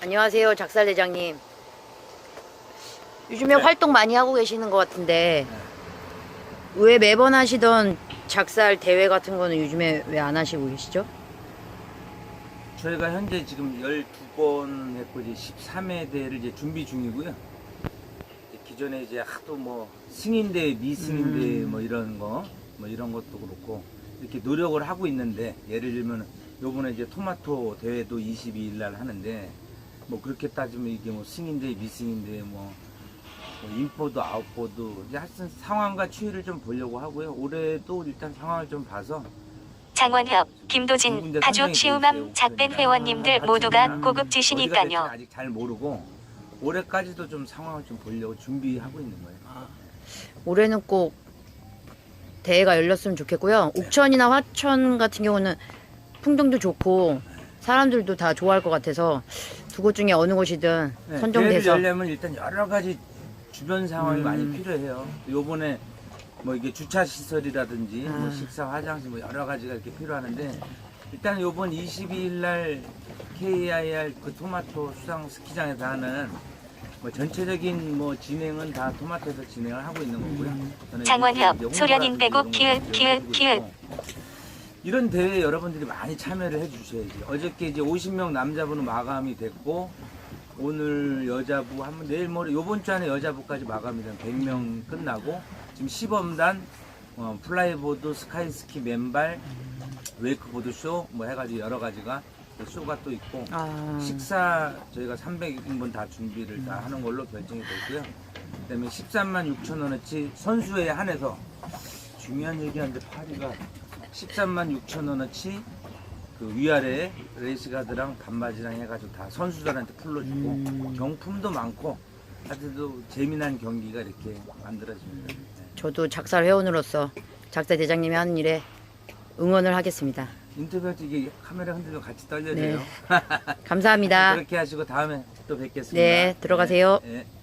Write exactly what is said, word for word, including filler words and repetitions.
안녕하세요, 작살 대장님. 요즘에 네. 활동 많이 하고 계시는 것 같은데 왜 매번 하시던 작살 대회 같은 거는 요즘에 왜 안 하시고 계시죠? 저희가 현재 지금 열두 번 했고 이제 십삼 회 대회를 이제 준비 중이고요. 이제 기존에 이제 하도 뭐 승인대, 미승인대 음. 뭐 이런 거, 뭐 이런 것도 그렇고 이렇게 노력을 하고 있는데, 예를 들면 요번에 이제 토마토 대회도 이십이 일 날 하는데, 뭐 그렇게 따지면 이게 뭐 승인대, 미승인대 뭐, 뭐 인포도 아웃보도 이제 하여튼 상황과 추이를 좀 보려고 하고요. 올해도 일단 상황을 좀 봐서 장원협, 두 김도진, 군데 파주 선정이 돼 치우맘 있어요, 작밴 옥션이. 회원님들 아, 모두가 지금 어디가 될지 고급지시니까요. 아직 잘 모르고 올해까지도 좀 상황을 좀 보려고 준비하고 있는 거예요. 올해는 꼭 대회가 열렸으면 좋겠고요. 옥천이나 화천 같은 경우는 풍경도 좋고 사람들도 다 좋아할 것 같아서 두 곳 중에 어느 곳이든 네, 대회를 선정돼서 열려면 일단 여러 가지 주변 상황이 음. 많이 필요해요. 요번에 뭐 이게 주차 시설이라든지 아. 뭐 식사, 화장실 뭐 여러 가지가 이렇게 필요하는데, 일단 요번 이십이 일 날 케이아이알 그 토마토 수상 스키장에서 하는 뭐 전체적인 뭐 진행은 다 토마토에서 진행을 하고 있는 거고요. 저는 장원협, 이제 소련인 홍보라든지 빼고 이런 키읔, 거 키읔, 해주고 키읔. 있고, 이런 대회에 여러분들이 많이 참여를 해주셔야지. 어저께 이제 오십 명 남자부는 마감이 됐고, 오늘 여자부 한번 내일 모레 요번 주 안에 여자부까지 마감이 되면 백 명 끝나고, 지금 시범단 어, 플라이보드, 스카이스키, 맨발, 웨이크보드 쇼 뭐 해가지고 여러 가지가 쇼가 또 있고, 아. 식사 저희가 삼백 인분 다 준비를 다 하는 걸로 결정이 됐고요. 그다음에 십삼만 육천 원어치 선수에 한해서, 중요한 얘기하는데 파리가 십삼만 육천 원어치 그 위아래 레이스가드랑 반바지랑 해가지고 다 선수들한테 풀러주고, 음. 경품도 많고 하여튼 재미난 경기가 이렇게 만들어집니다. 네. 저도 작살 회원으로서 작살 대장님이 하는 일에 응원을 하겠습니다. 인터뷰할 때 이게 카메라 흔들면 같이 떨려져요. 네. 감사합니다. 그렇게 하시고 다음에 또 뵙겠습니다. 네, 들어가세요. 네, 네.